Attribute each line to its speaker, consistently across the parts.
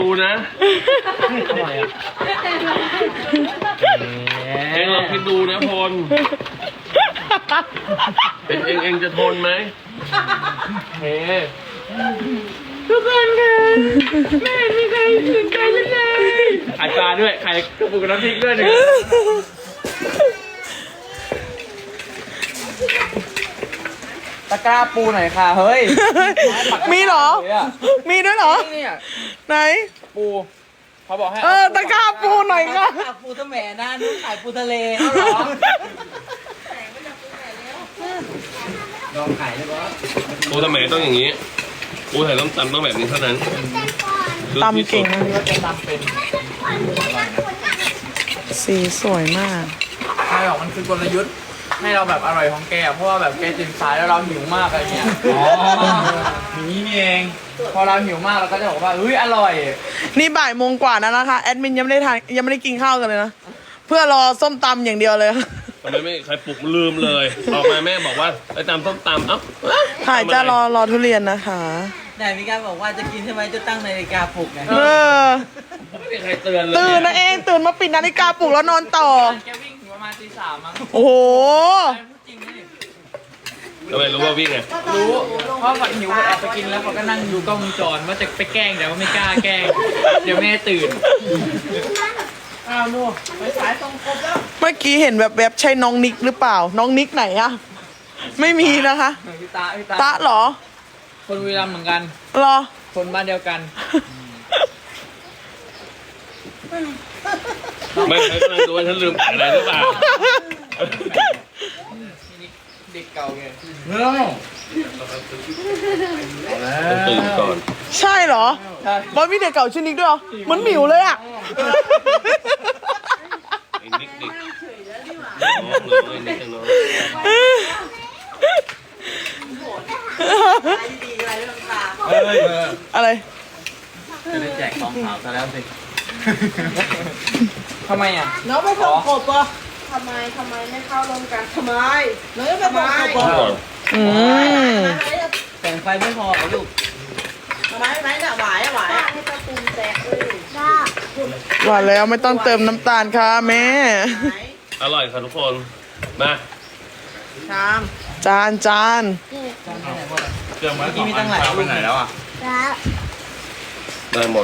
Speaker 1: ดูนะเองลองคิดดูนะพลเองจะทนไหมเฮ้ทุกคนค่ะแม่มีใครสนใจฉันเลยไข่ปลาด้วยไข่กระปุกน้ำพริกด้วยเนี่ย
Speaker 2: ตะกร้าปูหน่อยค่ะเฮ้ย
Speaker 3: มีเหรอ มีด้วยเหรอ
Speaker 2: เนี่ย
Speaker 3: ไหน
Speaker 2: ปูเขาบอกให้
Speaker 3: ตะกร้าปูหน่อยค่ะ
Speaker 4: ปูทะแหมนะนุ่งขายปูทะเล
Speaker 2: เอาเหรอลองไข่ได้ปะ
Speaker 1: ปูทำไมต้องอย่างนี้ปูไข่ต้มตำต้องแบบนี้เท่านั้น
Speaker 3: ตำเก่งนะ
Speaker 2: ว่าจะทำเป็น
Speaker 3: สีสวยมาก
Speaker 2: ใช่หรอกมันคือกลยุทธ์ให้เราแบบอร่อยของแกเพราะว่าแบบแกตื่นสายแล้วเราหิวมากอะไรเงี้ยอย่างนี้นี่เองพอเราหิวมากเราก็จะบอกว่าเฮ้ยอร่อย
Speaker 3: นี่บ่ายโมงกว่าแล้วนะคะ แอดมินยังไม่ได้ทานยังไม่ได้กินข้าวกันเลยนะ เพื่อรอส้มตำอย่างเดียวเลย
Speaker 1: ทำไมไม่ใครปลุกลืมเลยออกมาแม่บอกว่าไปตำต้มตำเอ้า
Speaker 3: ถ่ายจะรอทุเรียนนะคะ
Speaker 4: ไหนมีการบอกว่าจะกินใช่ไหมจะตั้งนาฬิกาปลุกไง
Speaker 3: เออ
Speaker 1: ไม่มีใครเตือนเลย
Speaker 3: ตื่นนะเองตื่นมาปิดนาฬิกาปลุกแล้วนอนต่อ
Speaker 2: แกวิ่งถึงประมาณตี 3มั้ง
Speaker 3: โอ้โห
Speaker 2: จริงนี่
Speaker 1: ทำไมรู้ว่าวิ่งไง
Speaker 2: รู้เพราะฝันหิวก็แอบไปกินแล้วเขาก็นั่งดูกล้องวงจรว่าจะไปแกล้งแต่ว่าไม่กล้าแกล้งเดี๋ยวแม่ตื่นอ้าวนู่ไปสายตรงครบแล้ว
Speaker 3: เมื่อกี้เห็นแบบใช่น้องนิกหรือเปล่า น้องนิกไหนอะไม่มีนะคะ
Speaker 2: พี่ตา
Speaker 3: ตะเหรอ
Speaker 2: คนบุรีรัมย์เหมือนกัน
Speaker 3: เหรอ
Speaker 2: คนบ้านเดียวกัน
Speaker 1: ไม่ใครกำลังดูว่าฉันลืมอะไรหรือเปล่า
Speaker 2: เด็กเก่าไง
Speaker 1: ต้องตื่นก่อน
Speaker 3: ใช่เหรอ
Speaker 2: ใช่
Speaker 3: บอยมีเด็กเก่าชื่อนิกด้วยเหรอเหมือนหมิวเลยอะ
Speaker 1: ไอ้นิกน้องไอ้นิกน้อง
Speaker 3: อะไร
Speaker 2: จะได้แจกของขาวซะแล้วสิทำไมอ่ะ
Speaker 4: น้องไปส่งกบปะทำไมไม่เข้าลงกันทำไมน้องจะไปส่งกบ
Speaker 1: ก่อน
Speaker 3: อืม
Speaker 4: แต่งไฟไม่พอเหรอลูกทำไมน่ะหวายให้ตะตุ่มแตกเลยจ้า
Speaker 3: ว่าแล้วไม่ต้องเติมน้ำตาลค่ะแม่
Speaker 1: อร่อยค่ะทุกคนมา
Speaker 4: ชาม
Speaker 3: จาน
Speaker 2: เครื่องไว้ของอันเช้าไปไหนแล้วอ่ะ
Speaker 1: ได้หมด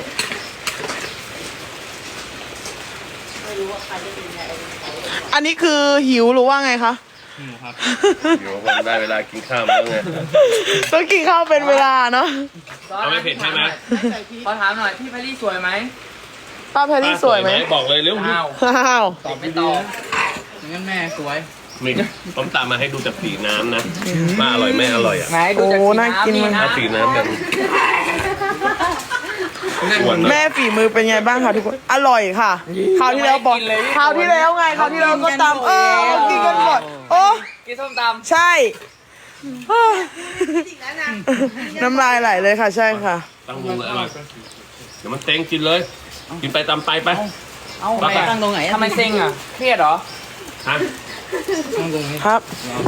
Speaker 3: อันนี้คือหิวหรือว่าไงคะ
Speaker 1: เดี๋ยววันได้เวลากินข้าวแล้วไง
Speaker 3: ต้องกินข้าวเป็นเวลาเนาะ
Speaker 1: เอาไม่เผ็ดใช่ไหม
Speaker 2: ขอถามหน่อยพี่แพรรี่สวยไหม
Speaker 3: ป้าแพรรี่สวยไหม
Speaker 1: บอกเลยเร็ว
Speaker 2: อ้าว
Speaker 3: อ้าว
Speaker 2: ตอบไม่ตอบงั้นแม่สวย
Speaker 1: มีต้มตามมาให้ดูจากสีน้ำนะว่าอร่อยไม่อร่อยอ่ะ
Speaker 2: ไหนดูจากสีน้ำนี่นะ
Speaker 1: เอาสีน้ำกัน
Speaker 3: แม่ฝีมือเป็นไงบ้างคะทุกคนอร่อยค่ะคราวที่แล้วบอกคราวที่แล้วไงคราวที่แล้วก็ตำเอากินกันหมดโอ้
Speaker 2: กินส้มต
Speaker 3: ใช่น้ำลายไหลเลยค่ะใช่ค่ะ
Speaker 1: ตั้งวงเลยอร่อยเดี๋ยวมันเต็งกินเลย กินไปตามไปไป
Speaker 2: ำเอาไปตั้งตรงไหนทำไมเซ็งอ่ะเครียดเหรอ
Speaker 1: ฮะ
Speaker 3: ครับ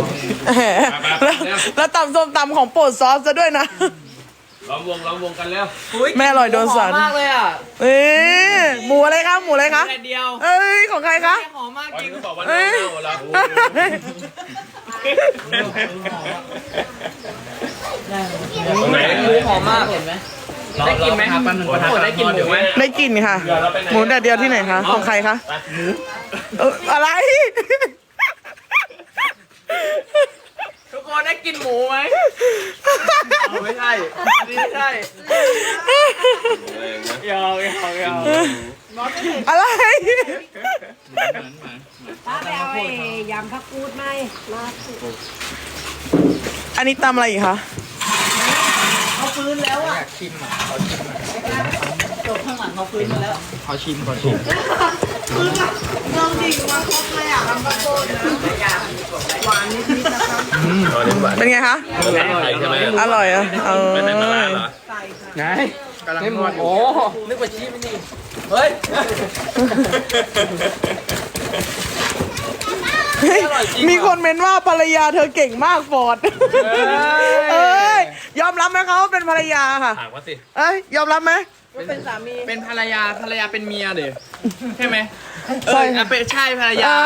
Speaker 3: แล้วตำส้มตำของโปรดซอสซะด้วยนะ
Speaker 1: ล้อมวงกันแล้ว
Speaker 3: แม่อร่อยโดนสัน
Speaker 2: หอมมากเลยอ่ะ
Speaker 3: เอ้ยหมูอะไรคะหมูอะไรคะ
Speaker 2: แต่เดียว
Speaker 3: เอ้ยของใครคะ
Speaker 2: หอมมาก
Speaker 1: วัน
Speaker 2: จริง
Speaker 1: นี้ก็บอกว่าเน่าแล้ว ตรงไหน
Speaker 2: หมูหอมมากเห็นไหมได้กินไหมได้กินหมูไหม
Speaker 3: ได้กลิ่นค่ะ หมูแดดเดียวที่ไหนคะ ของใครคะอะไร
Speaker 2: ทุกคนได้กินหมูไหมไม่ใช่ไม่ใช่ยอม
Speaker 3: อะไร
Speaker 5: ป้าไปเอาไอ้ยำผักกูดไหมมา
Speaker 3: อันนี้ตำอะไรอีกคะ
Speaker 4: เขาฟื้นแล้วอ่ะ
Speaker 2: อยากชิมอ่ะ
Speaker 4: จบข้างหลังเขาฟื้นมาแล้ว
Speaker 2: ขอชิมก่อน
Speaker 4: น้องดิ่งมาครบเลยอ่ะทำประโคนนะหวานนิดๆนะคะ
Speaker 1: อ๋อนี่หวาน
Speaker 3: เป็นไงคะ
Speaker 1: ไข่ใช่ไหม
Speaker 3: อร่อยอ่ะเออ
Speaker 1: ไม่ใส่ปลาร้าเหรอ
Speaker 4: ใส่ค่ะ
Speaker 2: ไงกำลังนวดโอ้นึกว่าชี้ไม่นี่เฮ้ย
Speaker 3: เฮ้ยมีคนเม้นว่าภรรยาเธอเก่งมากฟอร์ด เอ้ย ยอมรับไหมคะว่าเป็นภรรยาค่ะ
Speaker 1: ถามว่าสิ
Speaker 3: เอ้ย ยอมรับไหม
Speaker 4: เป็นสามี
Speaker 2: เป็นภรรยาเป็นเมียเด้ใช่ไหม
Speaker 3: ใช่
Speaker 2: เป็นใช่ภรรยา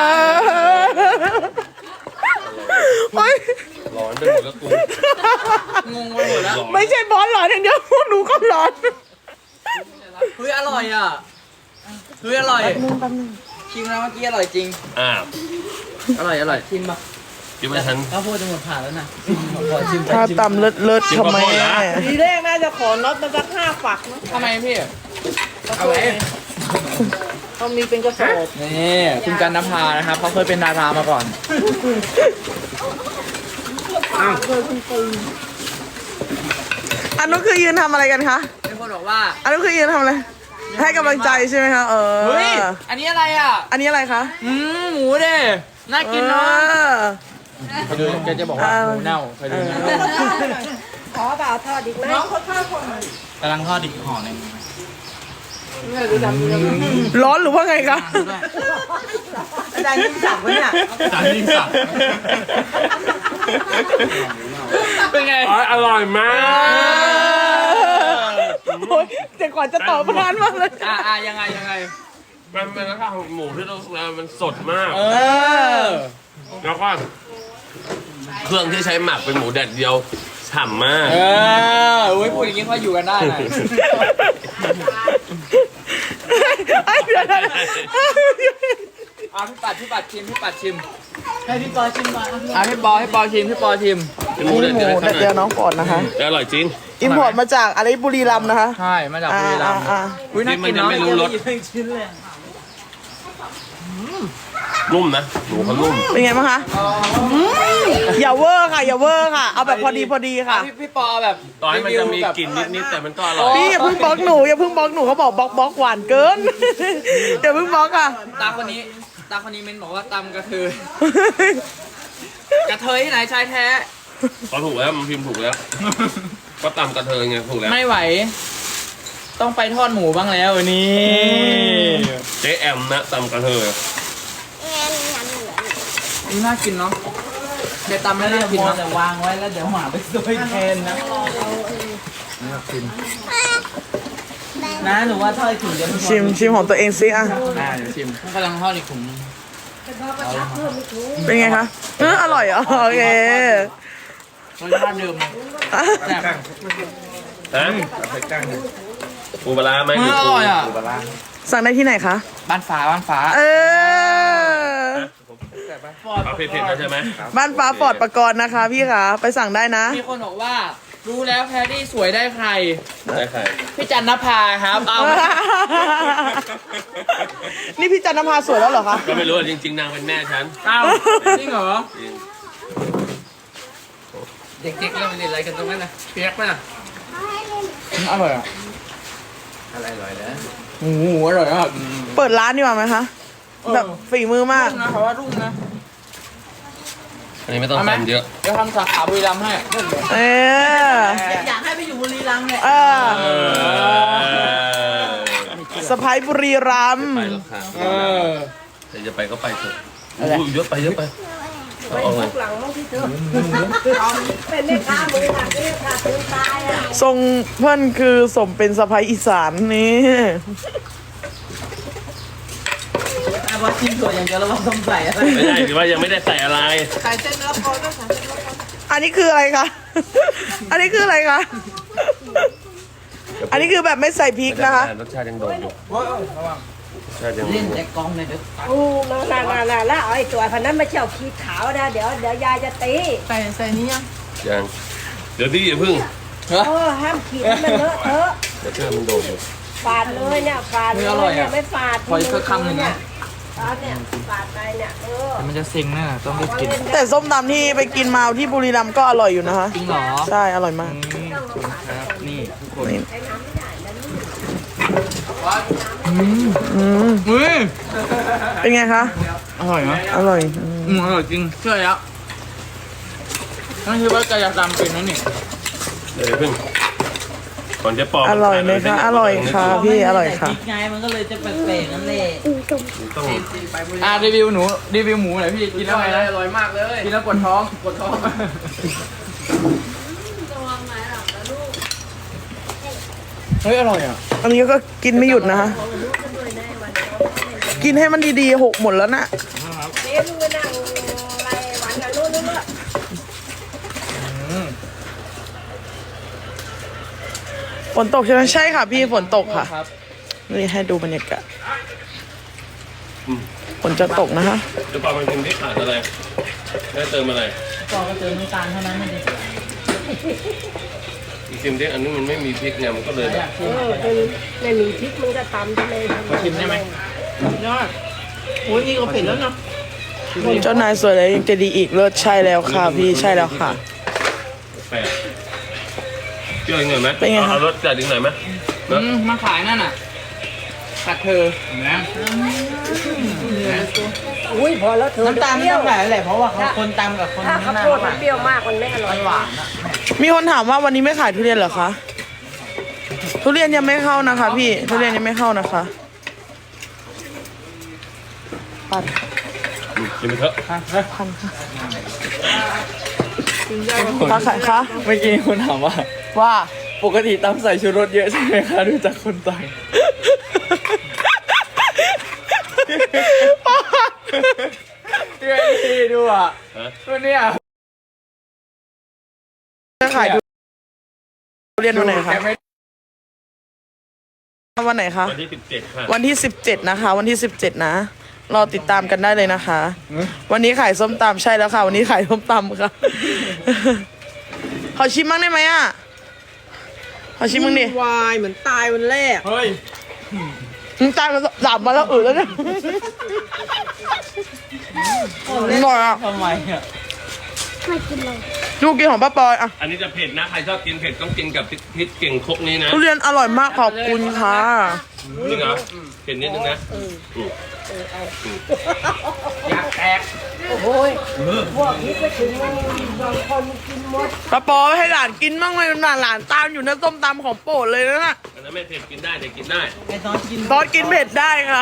Speaker 3: โอ๊ย
Speaker 1: ร้อนไปหมดแล้วกู
Speaker 2: งงไปหมดแล้ว
Speaker 3: ไม่ใช่บอสหลอนอย่างเดียวพวกหนูก็หลอน
Speaker 2: เฮ้ยอร่อยอ่ะเฮ้ยอร่อยชิมแล้วเมื่อกี้อร่อยจริง
Speaker 1: อ้าว
Speaker 2: อร่อยชิมป่ะ
Speaker 1: คิดว่าฉัน
Speaker 2: ข้าวโพดจะหมดผ่านแล้วนะขอชิมไป
Speaker 3: ถ้าตำเลิศๆทำไม
Speaker 1: กินข้าวโพดเหรอ
Speaker 4: ทีแรกน่าจะขอน็อตมาสัก5 ฝักนะ
Speaker 2: ทำไมพี่
Speaker 4: เอาไว้เขามีเป็นกระสอบ
Speaker 2: นี่คุณกันนภานะครับเขาเคยเป็นดารามาก่อน
Speaker 3: อันนู้นคือยืนทำอะไรกันคะ
Speaker 2: มีคนบอกว่า
Speaker 3: อันนู้นคือยืนทำอะไร ให้กำลังใจใช่ไหมคะ เออ
Speaker 2: เฮ้ยอันนี้อะไรอ่ะ
Speaker 3: อันนี้อะไรคะ
Speaker 2: หมูเด้น่ากินเนาะ
Speaker 3: ออ
Speaker 2: เคยดูแกจะบอกว่าหมูเน่าเคยดูไหม
Speaker 5: ขอเปล่าทอดอีกไหม
Speaker 4: น้องเขาทอดคนไหน
Speaker 2: กำลังทอดอีกห่อหนึง
Speaker 3: ร้อนหรือว่าไงคะ
Speaker 4: อาจารย์ยิ่งสับไว้เนี่ย
Speaker 2: จานยิ่งสับเป็นไง
Speaker 1: อร่อยมาก
Speaker 3: โอ๊ยแต่ก่อนจะตอบนานมากเลย
Speaker 2: ยังไง
Speaker 1: มันเป็นราคาของหมูที่เรามันสดมาก
Speaker 2: เออ
Speaker 1: แล้วก็เครื่องที่ใช้หมักเป็นหมูแดดเดียวฉ่ำมาก
Speaker 2: อุ้ยพูดอย่างนี้เขาอยู่กันได้นะ
Speaker 3: ไอ้เดี๋ยวนะ
Speaker 2: พี่ปัดชิมให้พี่ปอชิมมาพี่ปอชิม
Speaker 1: เป็นหมูแด
Speaker 3: นี่
Speaker 1: ด
Speaker 3: ห
Speaker 1: เดียว
Speaker 3: มูแต่เดียวน้องก่อนนะคะ
Speaker 1: แต่อร่อยจริง
Speaker 3: อิมพอร์ตมาจากอะไรบุรีรัมย์นะคะ
Speaker 2: ใช่มาจากบุรีรัมย์
Speaker 3: อ่า
Speaker 2: อุ้ยน่า
Speaker 1: มั
Speaker 2: กิ
Speaker 1: น
Speaker 2: น
Speaker 1: ยัง
Speaker 2: เนาะ
Speaker 1: ไม่รู้รสนุ่มนะหมูเขานุ่ม
Speaker 3: เป็นไงบ้างคะอย่าเวอร์ค่ะ อย่าเวอร์ค่ะ เอาแบบพอดีค่ะ
Speaker 2: พี่ปอแบบ
Speaker 1: ต่อให้มันจะมีกลิ่นนิดๆแต่มันก็อร่อย
Speaker 3: พี่อย่าเพิ่งบล็อกหนูอย่าเพิ่งบล็อกหนูเขาบอกบล็อกหวานเกิน อย่าเพิ่งบล็อกค่ะ
Speaker 2: ตาคนนี้เม้นบอกว่าตำกระเทยที่ไหนชายแท้
Speaker 1: เขาถูกแล้วมันพิมพ์ถูกแล้ว ก็ตำกระเทยไงถูกแล้ว
Speaker 2: ไม่ไหว ต้องไปทอดหมูบ้างแล้ววันนี้
Speaker 1: เจ๊แอมนะตำกระเทย
Speaker 2: นี่น่ากินเนาะเดี๋ยวตำแล้วน่ากินเนาะ
Speaker 4: แต่วางไว้แล้วเดี๋ยวหมาไปซวยแทนนะนะหนูว่าทอดถึงเดี๋ยว
Speaker 3: ชิมของตัวเองสิอ่ะ
Speaker 2: เดี๋ยวชิมกำลังทอดอีกถุงนึง
Speaker 3: เป็นไงคะอร่อยเหรอโอเค
Speaker 2: รสชาติเดิมแซ่บ
Speaker 1: ฮะปูปลาร้าไหม
Speaker 2: อร่อยอ่ะ
Speaker 3: สั่งได้ที่ไหนคะ
Speaker 2: บ้านฟ้า
Speaker 3: เออ
Speaker 1: เอาเผ็ดๆแล้วใช่ไหม
Speaker 3: บ้านฟ้าฟอร์ดประกรณ์นะคะ พี่คะไปสั่งได้นะ
Speaker 2: มีคนบอกว่ารู้แล้วแพรรี่สวยได้ใคร
Speaker 1: ได้ใคร
Speaker 2: พี่จันนภาครับเอา
Speaker 3: นี่พี่จันทภาสวยแล้วเหรอคะ
Speaker 1: ก็ไม่รู้อะจริงๆนางเป็นแม่ฉัน
Speaker 2: เอาจริงเหรอ
Speaker 1: จริง
Speaker 2: เด็กๆเล่นอะไรกันตรงนั้นนะเปียกป่ะอร่อยอ่ะอะไรอร่อยนะโอ้โหอร่อยมาก
Speaker 3: เปิดร้านดีกว่าไหมคะ แบบฝีมือมาก
Speaker 2: รุ่งนะเขาว่ารุ่งนะ
Speaker 1: อันนี้ไม่ต้อง
Speaker 2: เอาไหม
Speaker 1: ทำเยอะ
Speaker 2: เดี๋ยวทำสาขาบุรีรัมย์ให้
Speaker 3: เออ
Speaker 4: อยากให้ไปอยู่บุรีรัมย์เนี่ย
Speaker 3: เออ
Speaker 1: เออ
Speaker 3: สะพายบุรีรัมย์
Speaker 1: ไปแล้วค่ะ
Speaker 2: เออ
Speaker 1: แต่จะไปก็ไปเถอะอุ้ยเยอะไปเอาเลย
Speaker 5: หลังมั้งพี่เธอเป็นแม่ค้ามือหนักนี่ค่ะถึงตายอ่ะ
Speaker 3: ทรงเพื่อนคือสมเป็นสะพายอีสานนี่
Speaker 4: แต่ว่าชิมถั่วอย่างเดียวแล้วว่าต้องใส่อะไร
Speaker 1: ไม่ได้หรือว่ายังไม่ได้ใส่อะไร
Speaker 4: ใส่เส้นเนื้อโคด้วยใส่เส้นเนื้อโค
Speaker 3: อันนี้คืออะไรคะ อันนี้คืออะไรคะ อันนี้คือแบบไม่ใส่พริกนะคะ
Speaker 1: รสชาติยังโดดอยู่รสชาติยังโด
Speaker 4: เล่น
Speaker 1: ดอยู่
Speaker 4: แต่กองเนี่ยเดี๋ยว
Speaker 5: โอ้น่าแล้วเอาไอ้ตัวพันนั้นมาเชี่ยวขี้ขาวนะเดี๋ยวยายจะตี
Speaker 4: ใส่นี้ยัง
Speaker 1: ยังเดี๋ยวพี่อย่าพึ่ง
Speaker 5: โอ้ห้ามขีดมันเลอะเทอะ
Speaker 1: รสชาติมันโดดอยู่
Speaker 5: ฝาดเลยเนี่ยฝาดเลยเนี่ยไม่ฝาด
Speaker 2: ขออีกสักคำหนึ่งนะ
Speaker 5: ฝาดเนี่ยฝาดไปเนี่ย
Speaker 2: มันจะเซ็งแน่ต้องได้กิน
Speaker 3: แต่ส้มตำที่ไปกินมาที่บุรีรัมย์ก็อร่อยอยู่นะคะ
Speaker 2: จริงเหรอ
Speaker 3: ใช่ อร่อยมาก
Speaker 2: ครับนี่ทุกคน
Speaker 3: นี่
Speaker 2: อุ้ย
Speaker 3: เป็นไงคะ
Speaker 2: อร่อยไหม
Speaker 3: อร่อย
Speaker 2: อร่อยจริงเชื่อแล้วนั่นคือว่าแกอยากตามเป็นนั่นนี่
Speaker 1: เดี๋ยวอย่าพึ่งก่อนจะปอก
Speaker 3: อร่อยไหมคะ อร่อยค่ะพี่ อร่อยค่ะ
Speaker 4: พริกไงมันก็เลยจะแปลกๆนั่นแหละ
Speaker 1: ต้อง
Speaker 2: รีวิวหนูรีวิวหมูหน่อยพี่กินแล้วไงนะอร่อยมากเลยกินแล้วปวดท้องเฮ้ยอร่อยอ่ะ
Speaker 3: อันนี้ก็กินไม่หยุดนะคะ กินให้มันดีๆหกหมดแล้วนะ
Speaker 5: เดี๋ยวมึงไปนั่งอะไรหวานกันนู้นนู้น
Speaker 3: ฝนตกใช่ไหมใช่ค่ะพี่ฝนตกค่ะ
Speaker 2: ครับ
Speaker 3: นี่ให้ดูบรรยากาศฝนจะตกนะคะ
Speaker 1: จะปลามันกินที่ขาดอะไรได้เติมอะไร
Speaker 2: ก็เติมน้ำตาลเท่านั้นไม่ได้
Speaker 1: อีกซิมที่อันนี้มันไม่มีพริกเนี่ยมันก็เลยแบบ
Speaker 5: ไม่มีพริกมึงก็ตำทะเล
Speaker 2: มาชิมได้ไหม
Speaker 4: ยอดโอ้ยนี่ก็เผ็ดแล้วเนาะ
Speaker 3: เจ้านายสวยแล้วยังจะดีอีกเลิศใช่แล้วค่ะพี่ใช่แล้วค่ะ
Speaker 1: แปลกเปรี้ยวอีกหน่อยไหม
Speaker 3: เป็นไงคะ
Speaker 1: เอารสจัดอีกหน่อยไหมเนอะ
Speaker 2: มาขายนั่นน่ะตัดเธอนะ
Speaker 5: อุ้ยพอแล้วเธอ
Speaker 4: น้ำตาล
Speaker 5: เปรี้ยว
Speaker 4: ต้องหลายแหละเพราะว่าเขาคนตำกับคน
Speaker 5: ถ้า
Speaker 4: ข้า
Speaker 5: ข้าง ว
Speaker 4: หน้า
Speaker 5: โพด
Speaker 4: ห
Speaker 5: มั
Speaker 4: วาน น
Speaker 5: เปรี้ยวมากมันไม่อร่อย
Speaker 4: หวานอะ
Speaker 3: มีคนถามว่าวันนี้ไม่ขายทุเรียนเหรอคะทุเรียนยังไม่เข้านะคะ พี่ทุเรียนยังไม่เข้านะคะปัด
Speaker 1: กินไปเถอะ
Speaker 3: พันค่ะค้าขายคะ
Speaker 2: เมื่อกี้คนถามว่า
Speaker 3: ว่า
Speaker 2: ปกติตำใส่ชูรสเยอะใช่ไหมคะดูจากคนต่างเพื่อนดีดูอ่ะ
Speaker 1: ฮะ
Speaker 2: ตัวเนี้ย
Speaker 3: จะขายทุเรียนวันไหนคะวันไหนคะ
Speaker 1: วันที่17ค่ะ
Speaker 3: วันที่17นะคะ วันที่17นะรอติดตามกันได้เลยนะคะ วันนี้ขายส้มตำใช่แล้วค่ะ วันนี้ขายส้มตำค่ะ ขอชิมบ้างได้ไหมอ่ะขอชิมบ้างดิ
Speaker 4: วายเหมือนตายวันแรก
Speaker 2: เฮ้ย
Speaker 3: มึงตายมา3 วันแล้วแล้วเนี่ยอร่อยอ่ะ
Speaker 2: ทำไมอ่ะ
Speaker 3: ลูกกินของป้าปอยอ่ะ
Speaker 1: อันนี้จะเผ็ดนะใครชอบกินเผ็ดต้องกินกับพริกเก่งครกนี้นะ
Speaker 3: ทุเรียนอร่อยมากขอบคุณค่ะ
Speaker 1: จริงเหรอเผ็ดนิดนึงนะ
Speaker 2: อยากแตก
Speaker 5: โอ้ยพวกนี้ไปถึงบางคนกินหมด
Speaker 3: ป้าปอยให้หลานกินบ้างเลยหลานตามอยู่ในส้มตำของโปรดเลยนะน่ะ
Speaker 1: อันนั้นไม่เผ็ดกินได้แต่กินได้
Speaker 4: ไอ้ตอนกิน
Speaker 3: ซอสกินเผ็ดได้ค่ะ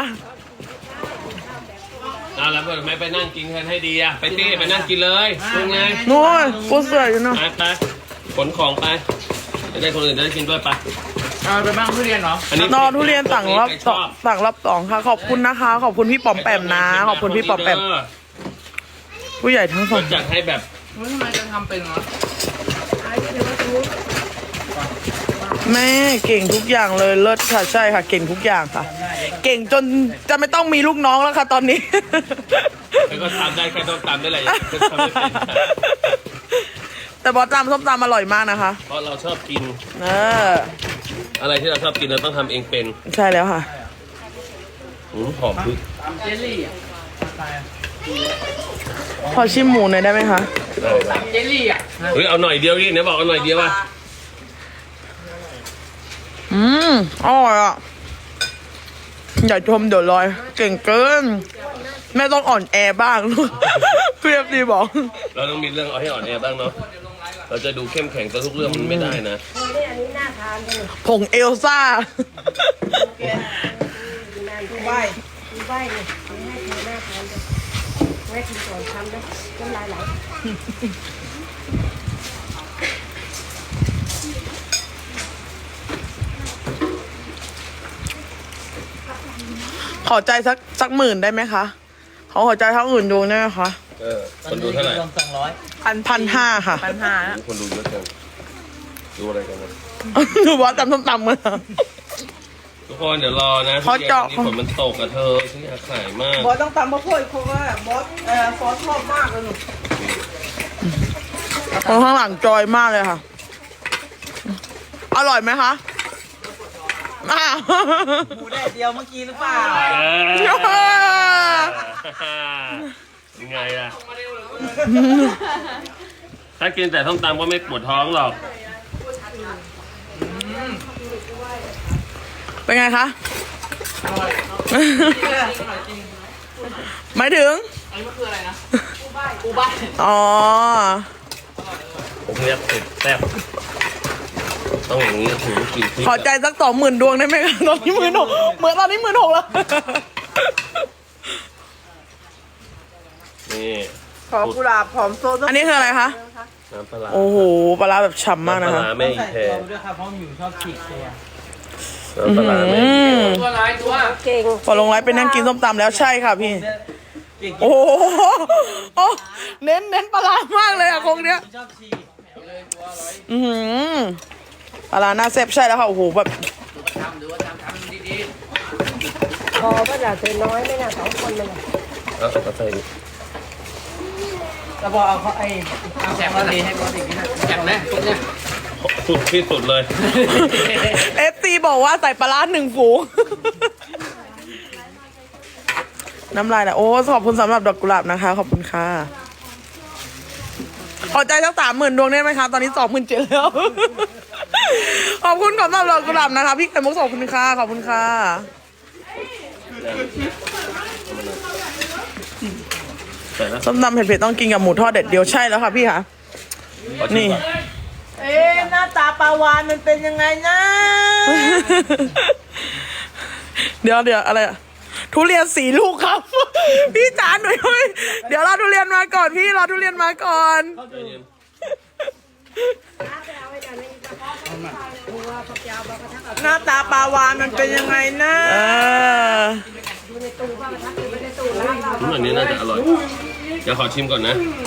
Speaker 1: เอาแล้วทำไมไปนั่งกินกันให้ดีอะไปตี้ไปนั่งกินเลยเป็นไง
Speaker 3: นู้นกูเสืออยู่เนาะ
Speaker 1: ไปขนของไปจะได้คนอื่นจะได้กินด้วยไป
Speaker 2: เอาไปบ้างทุเรียนเหรอ
Speaker 3: นอทุเรียนสั่งรอบสองสั่งรอบสองค่ะ ขอบคุณนะคะ ขอบคุณพี่ปอมแปมนะ ขอบคุณพี่ปอมแปมผู้ใหญ่ทั้งส
Speaker 1: ก็
Speaker 3: อง
Speaker 1: จัดให้แบบ
Speaker 2: เฮ้ยทำไมจะทำเป็นเหรอ
Speaker 3: แม่เก่งทุกอย่างเลยเลิศค่ะใช่ค่ะ เก่งทุกอย่างค่ะ เก่งจนจะไม่ต้องมีลูกน้องแล้วค่ะตอนนี้
Speaker 1: แล้วก็ทำได้แค่ต้องตำได้แหละทำไม่เป็น
Speaker 3: แต่บอสตำส้มตำอร่อยมากนะคะ
Speaker 1: เพราะเราชอบกิน
Speaker 3: เออ
Speaker 1: อะไรที่เราชอบกินเราต้องทำเองเป็น
Speaker 3: ใช่แล้วค่ะ
Speaker 1: หอมพึก
Speaker 2: เจลลี่อ่ะ
Speaker 3: ขอชิมหมูหน่อยได้ไหมคะ
Speaker 2: เจลลี่อ่ะ
Speaker 1: เฮ้ยเอาหน่อยเดียวดิเนี่ยบอกเอาหน่อยเดียวว่ะ
Speaker 3: อร่อยอ่ะอย่าชมเดี๋ยวลอย เก่งเกินแม่ต้องอ่อนแอบ้าง เพียบดีบอก
Speaker 1: เราต้องมีเรื่องเอาให้อ่อนแอบ้างเนาะเราจะดูเข้มแข็งแต่ทุกเรื่องมันไม่ได้นะ
Speaker 5: นี่อันนี้น่าทานจังเลย
Speaker 3: ผงเอลซ่า
Speaker 4: ดูใบ
Speaker 5: ดูใบเลยให้เธอน่าทานจังแม่กินก่อนทำนะน้ำลายไหล
Speaker 3: ขอใจสักหมื่นได้ไหมคะ ขอหัวใจทั้งอื่นดวงได้ไหมคะ
Speaker 1: คนดูเท่าไหร่
Speaker 3: 1,500ค่ะ
Speaker 4: 1,500นะ
Speaker 1: คนดูเยอะจังดูอะไรกันนะ
Speaker 3: ดูบอสตำส้มตำมา
Speaker 1: ทุกคนเดี๋ยวรอนะ
Speaker 3: เขาเจาะ
Speaker 1: ที่ฝนมันตกกับเธอฉันอยากขายมาก
Speaker 4: บอสต้องตำมะพร้าวเพราะว่าบอสซอสชอบมากเลยหนู
Speaker 3: คนข้างหลังจอยมากเลยค่ะ อร่อยไหมคะอ้าว
Speaker 4: หมูแดดเดียวเมื่อกี้หรือเปล่า
Speaker 1: ยังไงล่ะ ถ้ากินแต่ส้มตำก็ไม่ปวดท้องหรอก
Speaker 3: เป็นไงคะหมายถึง
Speaker 2: อันนี้มันคืออะไรนะอูบ้าน
Speaker 3: อ๋อ
Speaker 1: ผมเรียกเผ็ดแซ่บต้องอย่างนี้ถึงกินพริก
Speaker 3: ขอใจสัก20,000 ดวงได้ไหมคะตอนนี้16,000เหมือนตอนนี้16,000แล้ว
Speaker 1: นี่
Speaker 4: ขอกุหลาบหอมโซด
Speaker 3: อันนี้คืออะไรคะ
Speaker 1: น้ำปลาร้า
Speaker 3: โอ้โห ปลาร้าแบบฉ่ำมากนะ
Speaker 1: น้ำปลา
Speaker 3: คะ
Speaker 1: ร้าไม่
Speaker 4: ใส่
Speaker 1: แพ้
Speaker 4: ตัวด้วยครับเพราะหมิวชอบฉีกตัว
Speaker 1: ปลาร้าไหม
Speaker 2: ตัวร้ายตัว
Speaker 5: เก่ง
Speaker 3: พอลงไลฟ์ไปนั่งกินส้มตำแล้วใช่ค่ะพี่ โอ้โหโอ้เน้นปลาร้ามากเลยอะคงเนี้ย
Speaker 2: ชอบชี
Speaker 3: อือหือปลาร้าหน้าแซ่บใช่แล้วค่ะโอ้โหแบบ
Speaker 2: ทำหรือว่าทำดี
Speaker 5: พอก็จะเธอน้อยไม่น่า2 คนเลย
Speaker 1: เอาใส่ดิ
Speaker 2: ๆแล้วพอเอาเขาไอ้แจกมาดีให้บอสอีกนิดนะแจกไหมเนี่ย
Speaker 1: สุดที่สุดเลย
Speaker 3: FC บอกว่าใส่ปลาร้า1 ฝูง น้ำลายนะโอ้ขอบคุณสำหรับดอกกุหลาบนะคะ ขอบคุณค่ะขอใจสัก30,000 ดวงได้ไหมคะตอนนี้27,000แล้ว ขอบคุณสำหรับดอกกุหลาบนะคะพี่ไข่มุกขอบคุณค่ะขอบคุณค่ะส้มตำเผ็ดๆต้องกินกับหมูทอดเด็ดเดียวใช่แล้วค่ะพี่ค่ะ นี่
Speaker 4: หน้าตาปลาวานมันเป็นยังไงนะ
Speaker 3: เดี๋ยวอะไรอะทุเรียน4 ลูกครับ พี่จ๋าหน่อยเดี๋ยวรอทุเรียนมาก่อนพี่รอทุเรียนมาก่อน
Speaker 4: หน้าตาปลาวานมันเป็นยังไงนะ
Speaker 1: อันนี้น่าจะอร่อยเดี๋ยวขอชิมก่อนนะ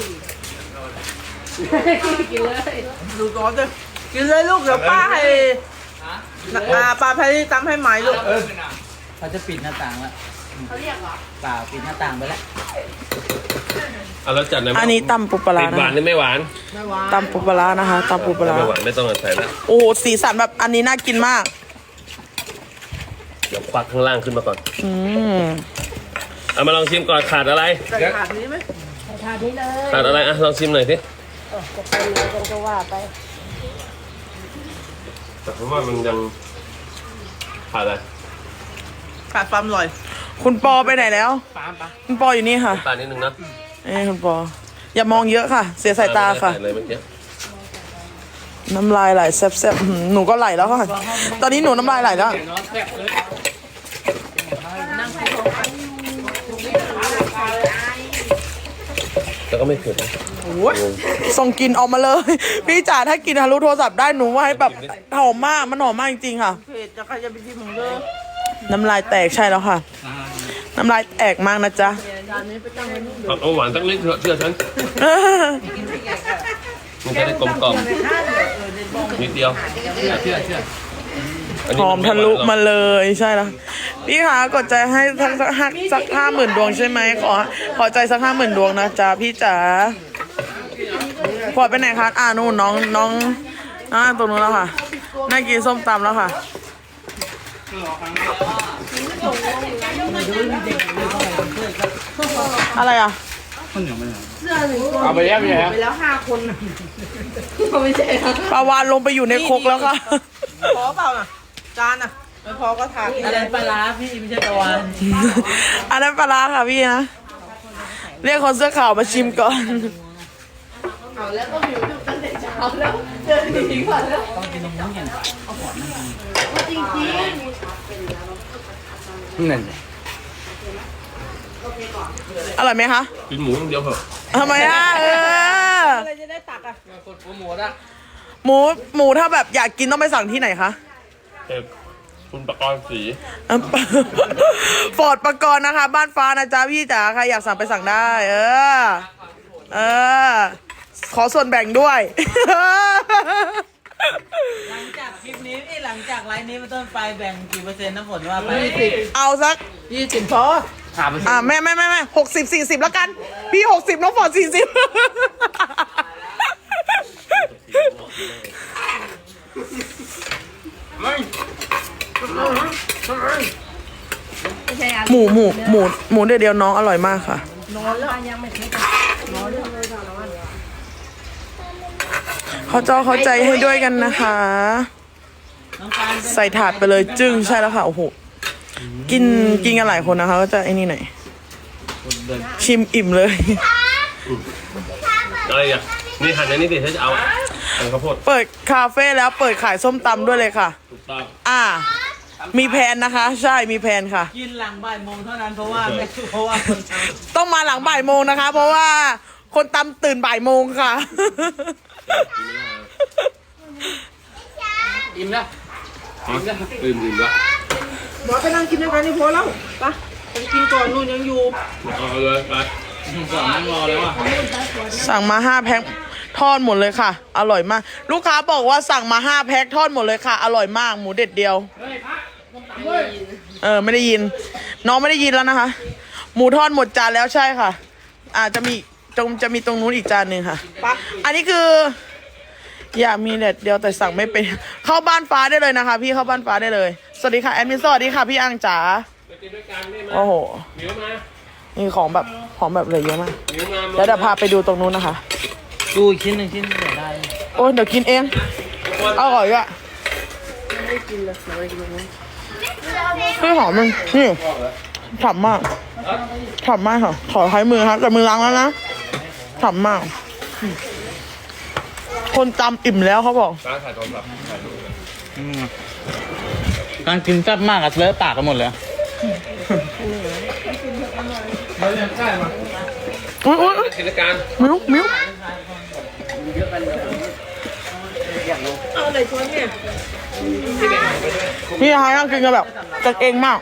Speaker 4: ดูก่อนเลยกินเลยลูกเดี๋ยวป้าให้ป้าพาที่ตำให้ไหมลูก
Speaker 2: เขาจะปิดหน้าต่างแล้วเขาเรียกเหรอเปล่าปิดหน้าต่างไปแล้ว
Speaker 1: เอาแล้วจัดเลย
Speaker 3: อันนี้ตำปูปลาร้า
Speaker 1: ติดหวาน
Speaker 3: นะ
Speaker 1: นี่ไม่หวาน
Speaker 3: ตำปูปลาร้านะคะตำปูปลาร้า
Speaker 1: ไม่หวานไม่ต้องใส่ละ
Speaker 3: โอ้โหสีสันแบบอันนี้น่ากินมาก
Speaker 1: เดี๋ยวควักข้างล่างขึ้นมาก่อน
Speaker 3: อืม
Speaker 1: เอามาลองชิมก่อนขาดอะไร
Speaker 4: ใส่ถาดนี้ไหม
Speaker 5: ทานนี้เลย
Speaker 1: ขาดอะไรอ่ะลองชิมหน่อยสิ
Speaker 5: จะไปเลยกันก็ว่าไป
Speaker 1: แต่ผมว่ามันยังขาดอะไร
Speaker 4: ขาดความอร่อย
Speaker 3: คุณปอไปไหนแล้ว
Speaker 2: ปามปะ
Speaker 3: คุณปออยู่นี่ค่ะ
Speaker 1: ตาลนิดนึงนะ
Speaker 3: คุณปอ อย่ามองเยอะค่ะ เสียสายตาค่ะ
Speaker 1: ใส่เลยเมื่อกี้
Speaker 3: น้ำลายไหลแซ่บๆหนูก็ไหลแล้วค่ะ ตอนนี้หนูน้ำลายไหลแล้ว
Speaker 2: เดี๋ยวน้องแซ่บเลย
Speaker 1: แต่ก็ไม่เผ็ดนะ
Speaker 3: ส่งกลินออกมาเลย พี่จ๋าถ้ากินทะลุโทรศัพท์ได้หนูว่าให้แบบหอมมากมันหอมมากจริงๆค่ะ
Speaker 4: เผ็ดจะใครจะไปชิมของเด้อ
Speaker 3: น้ำลายแตกใช่แล้วค่ะ น้ำลายแตกมากนะจ๊ะ
Speaker 1: เอาหวานสักนิดเถอะเชื่อฉันมันจะได้กลมกล่อมนิดเดียว
Speaker 2: เชื่อ
Speaker 3: หอมทะลุมาเลยใช่แล้วพี่คะกดใจให้สัก50,000 ดวงใช่ไหมขอใจสัก50,000 ดวงนะจ๊ะพี่จ๋าพอดไปไหนคะนู่นน้องตรงนู้นแล้วค่ะน่ากินส้มตำแล้วค่ะ อะไรอ่ะ
Speaker 2: เอาไปแล้วเนี่ย
Speaker 4: ไปแล้ว5 คนไม่ใช่ครับ
Speaker 3: ปลาวานลงไปอยู่ในครกแล้วค่ะ
Speaker 4: พอเปล่าน่ะจานน่ะไม่พอก็ถาด
Speaker 2: อะไรปลาร้าพี่ไม่ใช่ตะวัน
Speaker 3: อันนั้นปลาร้าค่ะพี่นะ เรียกคนเสื้อขาวมาชิมก่อน
Speaker 4: เอาแล้วก็หิวจุกตั้งแต่เช้าแล้วเดินหนีก่อนแล้ว
Speaker 2: ต้องกินนมเนี่ย
Speaker 4: จริง
Speaker 2: นั่น
Speaker 3: อร่อยไหมคะ
Speaker 1: กินหมูอย่างเดียวเถอะ
Speaker 3: ทำไมอ่ะ
Speaker 4: ๆอะไรจะได้ตักอ่ะ
Speaker 2: กดโปรโมทอ่ะ
Speaker 3: หมูถ้าแบบอยากกินต้องไปสั่งที่ไหนคะ
Speaker 1: คุณประกรณ์สี
Speaker 3: ฟอร์ดประกรณ์นะคะ บ้านฟ้านะจ๊ะพี่จ๋าใครอยากสั่งไปสั่งได้ ขอส่วนแบ่งด้วย
Speaker 2: หลังจากคลิปนี้หลังจากไลฟ์นี้เป็นต้นไปแบ่งกี่เปอร์เซ็นต์นะฝนว่าไป
Speaker 3: เอาสัก
Speaker 4: 20พอ
Speaker 3: แม่60-40แล้วกัน พี่60น้องฟอร์ด40หมูเดียวน้องอร่อยมากค่ะ เข้าใจให้ด้วยกันนะคะ
Speaker 2: น้องปาน
Speaker 3: ใส่ถาดไปเลยจึ้งใช่แล้วค่ะโอ้โหกินกันหลายคนนะคะก็จะไอ้นี่หน่อยชิมอิ่มเลย
Speaker 1: อะไรอ่ะนี่หั่นในนี้ดิถ้าจะเอาหั่นข้าวโพด
Speaker 3: เปิดคาเฟ่แล้วเปิดขายส้มตำด้วยเลยค่ะ
Speaker 1: ถูกต้อง
Speaker 3: มีแผนนะคะ ใช่มีแผนค่ะ
Speaker 2: กินหลังบ่ายโมงเท่านั้นเพราะว่าคนท
Speaker 3: ต้องมาหลังบ่ายโมงนะคะ เพราะว่าคนตำตื่นบ่ายโมงค่ะ
Speaker 2: ำอิ่มแล้ว
Speaker 1: อื่นวะ
Speaker 4: บอกไปนั่งกินด้วยกันนี่พอแล้วไปไปกินก่อนนู่นยังอยู่
Speaker 1: เอาเลยไป
Speaker 2: ก่อนนั่งรอแล้วอ่ะ
Speaker 3: สั่งมา5 แพ็คทอดหมดเลยค่ะ อร่อยมาก ลูกค้าบอกว่าสั่งมา5 แพ็คทอดหมดเลยค่ะ อร่อยมากหมูเด็ดเดียวไม่ได้ยิน น้องไม่ได้ยินแล้วนะคะ หมูทอดหมดจานแล้วใช่ค่ะ จะมีตรงนู้นอีกจานหนึ่งค่ะ อันนี้คือ อยากมีเด็ดเดียวแต่สั่งไม่เป็น เข้าบ้านฟ้าได้เลยนะคะ พี่เข้าบ้านฟ้าได้เลย สวัสดีค่ะแอดมินสวัสดีค่ะพี่อังจ๋า
Speaker 1: ไปกินด้วยกันได้ไหม
Speaker 3: โอ้โห
Speaker 1: เหนียวมา
Speaker 3: มีของแบบเลยเยอะมาก
Speaker 1: เหนียวมา
Speaker 3: แล้วเดี๋ยวพาไปดูตรงนู้นนะคะ
Speaker 2: ดูอีกชิ้นหนึ่งชิ้นเดี๋ยวได้
Speaker 3: โอ้ยเดี๋ยวกินเองอร่อยอ่ะไม่หอมมันนี่ฉ่ำมากฉ่ำมากค่ะขอใช้มือครับแต่มือล้างแล้วนะฉ่ำมาก คนจำอิ่มแล้วเขาบอก
Speaker 1: ร้านถ่ายโทรศัพท์ถ่ายรูป
Speaker 2: การกินแซ่บมากอะเลอะปากกันหมดเลย
Speaker 3: อุ้ย
Speaker 1: กิจการ
Speaker 3: มิ้ว
Speaker 4: เอาอะไรช้อนเนี่ย
Speaker 3: พี่ฮายนั่งกินกันแบบกันเองมาก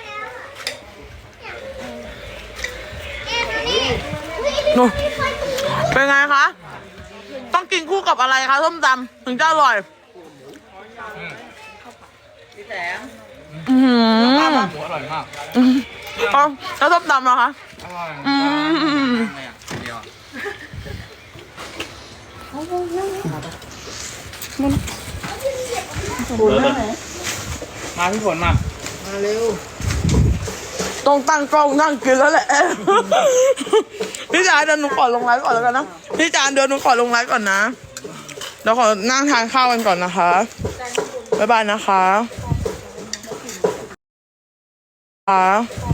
Speaker 3: นู่นเป็นไงคะ ต้องกินคู่กับอะไรคะส้มตำถึงจะอร่อยอือหือ
Speaker 2: หมูอร่อยมาก
Speaker 3: เอาแล้วส้มตำเหรอคะ
Speaker 2: อร่อย
Speaker 3: อืม
Speaker 2: เดียว มาพี่ฝนมา
Speaker 3: ต้องตั้งกล้องนั่งกินแล้วแหละ พี่จานเดี๋ยวหนูขอลงไลฟ์ก่อนแล้วกันนะพี่จานเดี๋ยวหนูขอลงไลฟ์ก่อนนะเดี๋ยวขอนั่งทานข้าวกันก่อนนะคะบ๊ายบายนะคะ